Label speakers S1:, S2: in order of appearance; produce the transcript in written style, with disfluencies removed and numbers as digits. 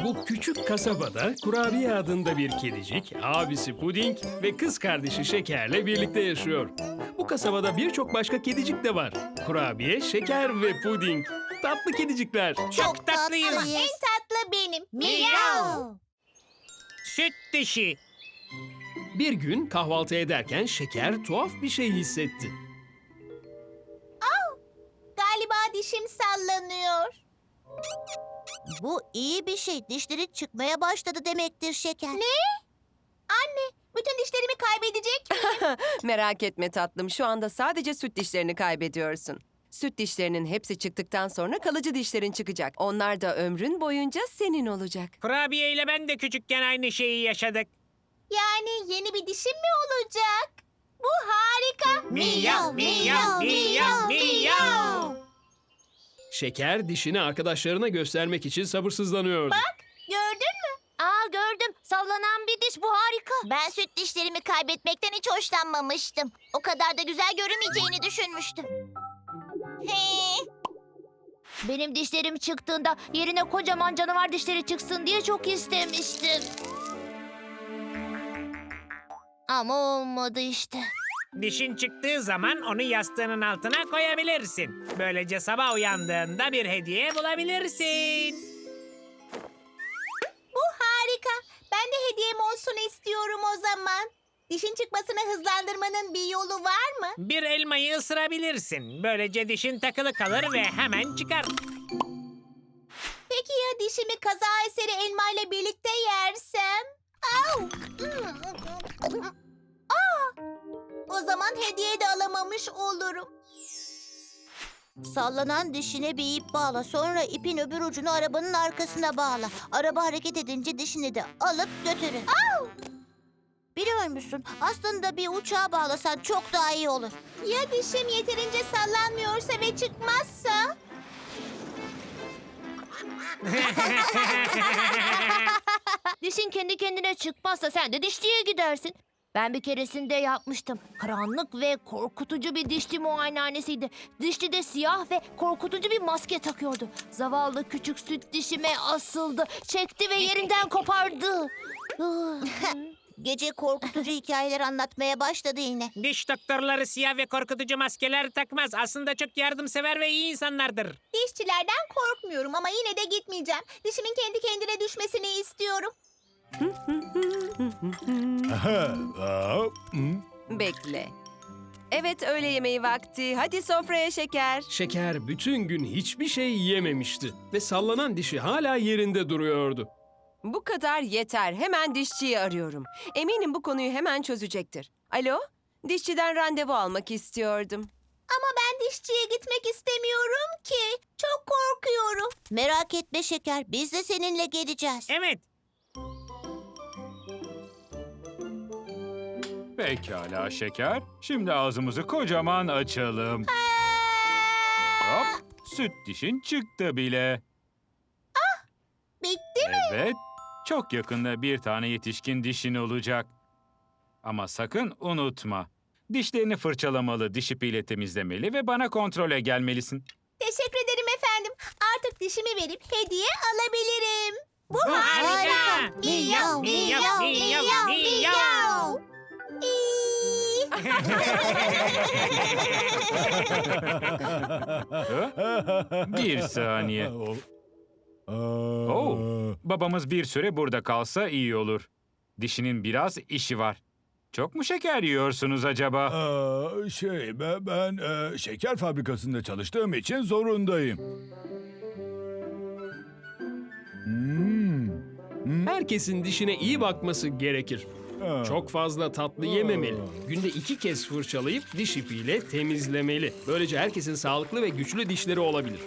S1: Bu küçük kasabada Kurabiye adında bir kedicik, abisi Puding ve kız kardeşi Şeker'le birlikte yaşıyor. Bu kasabada birçok başka kedicik de var. Kurabiye, Şeker ve Puding. Tatlı kedicikler.
S2: Çok tatlıyız.
S3: En tatlı benim. Miyav.
S2: Süt dişi.
S1: Bir gün kahvaltı ederken Şeker tuhaf bir şey hissetti.
S3: Galiba dişim sallanıyor. Bu iyi bir şey. Dişlerin çıkmaya başladı demektir Şeker. Ne? Anne, bütün dişlerimi kaybedecek miyim?
S4: Merak etme tatlım, şu anda sadece süt dişlerini kaybediyorsun. Süt dişlerinin hepsi çıktıktan sonra kalıcı dişlerin çıkacak. Onlar da ömrün boyunca senin olacak.
S2: Kurabiye ile ben de küçükken aynı şeyi yaşadık.
S3: Yani yeni bir dişim mi olacak? Bu harika.
S2: Miyav, miyav, miyav, miyav.
S1: Şeker dişini arkadaşlarına göstermek için sabırsızlanıyordu.
S3: Gördün mü? Aa gördüm. Sallanan bir diş, bu harika. Ben süt dişlerimi kaybetmekten hiç hoşlanmamıştım. O kadar da güzel görünmeyeceğini düşünmüştüm. Benim dişlerim çıktığında yerine kocaman canavar dişleri çıksın diye çok istemiştim. Ama olmadı işte.
S2: Dişin çıktığı zaman onu yastığının altına koyabilirsin. Böylece sabah uyandığında bir hediye bulabilirsin.
S3: Bu harika. Ben de hediyem olsun istiyorum o zaman. Dişin çıkmasını hızlandırmanın bir yolu var mı?
S2: Bir elmayı ısırabilirsin. Böylece dişin takılı kalır ve hemen çıkar.
S3: Peki ya dişimi kaza eseri elmayla birlikte yersem? Au! Aa! O zaman hediye de alamamış olurum. Sallanan dişine bir ip bağla. Sonra ipin öbür ucunu arabanın arkasına bağla. Araba hareket edince dişini de alıp götürün. Biliyor musun? Aslında bir uçağa bağlasan çok daha iyi olur. Ya dişim yeterince sallanmıyorsa ve çıkmazsa? Dişin kendi kendine çıkmazsa sen de dişçiye gidersin. Ben bir keresinde yapmıştım. Karanlık ve korkutucu bir dişçi muayenehanesiydi. Dişçi de siyah ve korkutucu bir maske takıyordu. Zavallı küçük süt dişime asıldı. Çekti ve yerinden kopardı. Gece korkutucu hikayeler anlatmaya başladı yine.
S2: Diş doktorları siyah ve korkutucu maskeler takmaz. Aslında çok yardımsever ve iyi insanlardır.
S3: Dişçilerden korkmuyorum ama yine de gitmeyeceğim. Dişimin kendi kendine düşmesini istiyorum.
S4: Bekle. Evet, öğle yemeği vakti. Hadi sofraya Şeker.
S1: Şeker bütün gün hiçbir şey yememişti ve sallanan dişi hala yerinde duruyordu.
S4: Bu kadar yeter. Hemen dişçiyi arıyorum. Eminim bu konuyu hemen çözecektir. Alo? Dişçiden randevu almak istiyordum.
S3: Ama ben dişçiye gitmek istemiyorum ki. Çok korkuyorum. Merak etme Şeker. Biz de seninle geleceğiz.
S2: Evet.
S5: Pekala Şeker. Şimdi ağzımızı kocaman açalım. Hop, süt dişin çıktı bile.
S3: Bitti mi?
S5: Evet, çok yakında bir tane yetişkin dişin olacak. Ama sakın unutma. Dişlerini fırçalamalı, diş ipiyle temizlemeli ve bana kontrole gelmelisin.
S3: Teşekkür ederim efendim. Artık dişimi verip hediye alabilirim. Bu
S2: harika. Miyav, miyav, miyav, miyav.
S3: İyi.
S5: Bir saniye. Babamız bir süre burada kalsa iyi olur. Dişinin biraz işi var. Çok mu şeker yiyorsunuz acaba?
S6: Ben şeker fabrikasında çalıştığım için zorundayım.
S1: Herkesin dişine iyi bakması gerekir.
S6: Ha.
S1: Çok fazla tatlı yememeli. Günde 2 kez fırçalayıp diş ipiyle temizlemeli. Böylece herkesin sağlıklı ve güçlü dişleri olabilir.